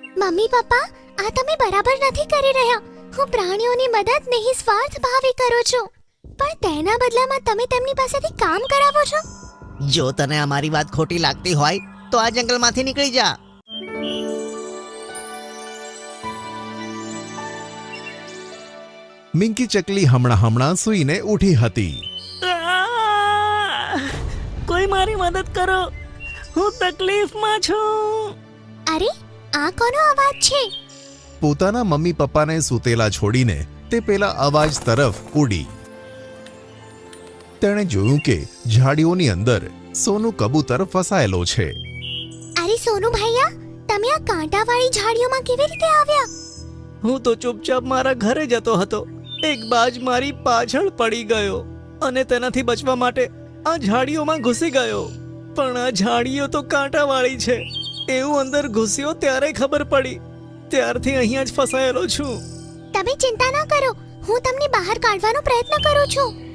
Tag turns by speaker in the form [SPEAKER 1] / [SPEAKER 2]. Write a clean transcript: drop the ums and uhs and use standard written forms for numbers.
[SPEAKER 1] Mummy papa, આ તમે બરાબર નથી કરી રહ્યા. હું પ્રાણીઓની મદદ નિસ્વાર્થ ભાવે કરું છું, પણ તેના બદલામાં તમે તેમની પાસેથી કામ કરાવો છો.
[SPEAKER 2] જો તને અમારી વાત ખોટી લાગતી હોય તો આ જંગલમાંથી નીકળી જા.
[SPEAKER 3] મિંકી ચકલી હમણાં સૂઈને ઊઠી હતી.
[SPEAKER 4] કોઈ મારી મદદ કરો, હું તકલીફમાં છું.
[SPEAKER 1] અરે, આ કોનો અવાજ છે?
[SPEAKER 3] પોતાના મમ્મી પપ્પાને સૂતેલા છોડીને તે પેલા અવાજ તરફ ઉડી. તેણે જોયું કે ઝાડીઓની અંદર સોનું કબૂતર ફસાયેલો છે.
[SPEAKER 1] અરે સોનુ ભૈયા, તમે આ કાંટાવાળી ઝાડીઓમાં કેવી રીતે આવ્યા?
[SPEAKER 4] હું તો ચૂપચાપ મારા ઘરે જતો હતો. એક બાજ મારી પાછળ પડી ગયો અને તેનાથી બચવા માટે આ ઝાડીઓમાં ઘૂસી ગયો. પણ આ ઝાડીઓ તો કાંટાવાળી છે એવું અંદર ઘૂસ્યો ત્યારે ખબર પડી. ત્યારથી અહીંયા જ ફસાયેલો છું.
[SPEAKER 1] તમે ચિંતા ન કરો, હું તમને બહાર કાઢવાનો પ્રયત્ન કરું છું.